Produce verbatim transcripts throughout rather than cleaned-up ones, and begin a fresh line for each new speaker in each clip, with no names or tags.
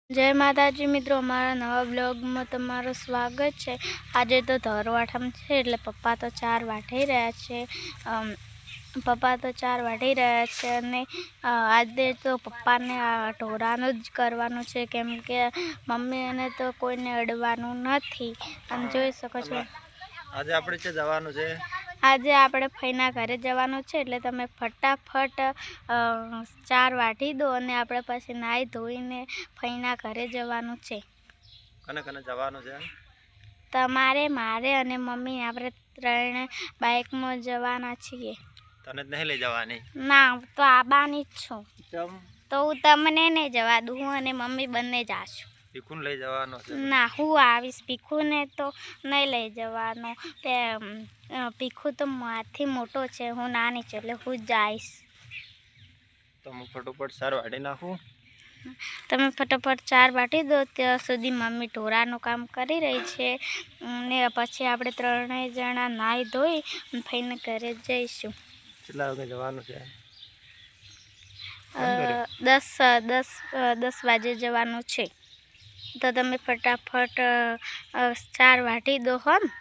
जय माताजी मित्रों, अमरा नवा ब्लॉग में तमारू स्वागत है। आज तो धरवाठाम है એટલે पप्पा तो चार वाटी रह्या छे। पप्पा तो चार वाटी रह्या छे અને आज तो पप्पा ने आ ढोरानु ज करवानुं छे, केम के मम्मी ने तो कोईने अडवानुं नथी। अने जोई शको छो
आज आपणे के जवानुं छे।
आज आपणे फईना घरे जवानुं छे એટલે તમે फटाफट चार वाटी दो અને આપણે પછી નાઈ ધોઈને ફઈના ઘરે જવાનું છે।
કને કને જવાનું છે?
તમારે, મારે અને મમ્મી આપણે ત્રણે બાઇકમાં જવાના છીએ।
તને જ નહીં લઈ જવાની?
ના, તો આબાની જ છું।
ચમ?
તો હું તમને નહીં જવા દઉં, હું અને મમ્મી બંને જાશું।
ભીખુને લઈ જવાનો છે?
ના, હું આવીશ। ભીખુને તો નહીં લઈ જવાનો, તે ભીખુ તો મારાથી મોટો છે, હું નાની છું એટલે હું જ જઈશ।
તો હું ફટોફટ ચાર વાટી નાખું?
તમે ફટાફટ ચાર વાટી દો, ત્યાં સુધી મમ્મી ઢોરાનું કામ કરી રહી છે ને પછી આપણે ત્રણેય જણા નાહી ધોઈ ફઈને ઘરે જઈશું।
કેટલા વાગે જવાનું છે?
દસ દસ દસ વાગે જવાનું છે, તો તમે ફટાફટ ચાર વાટી દો હો ને।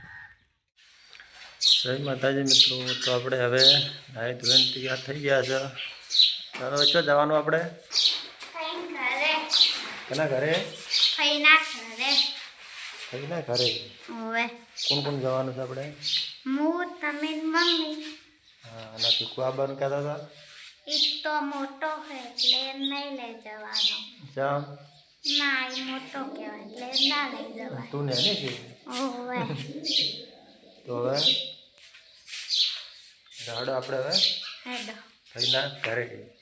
જય માતાજી મિત્રો, તો આપણે હવે નાહી ધોઈને તૈયાર થઈ ગયા છે। હવે ચો જવાનું આપણે? કેના ઘરે?
ફઈના ઘરે।
ફઈના ઘરે?
ઓવે।
કોણ કોણ જવાનું છે આપણે?
હું, તમે, મમ્મી।
હા, અને ભીખુ આવવાનું કહેતા હતા?
ઈ તો મોટો છે એટલે નહીં લઈ જવાનો।
જામ?
ના, એ મોટો કહેવાય એટલે ના લઈ જવાય।
તું નાની છે?
ઓવે।
તો હવે જાડો આપણે હવે
હેડો
ફઈના ઘરે જઈએ।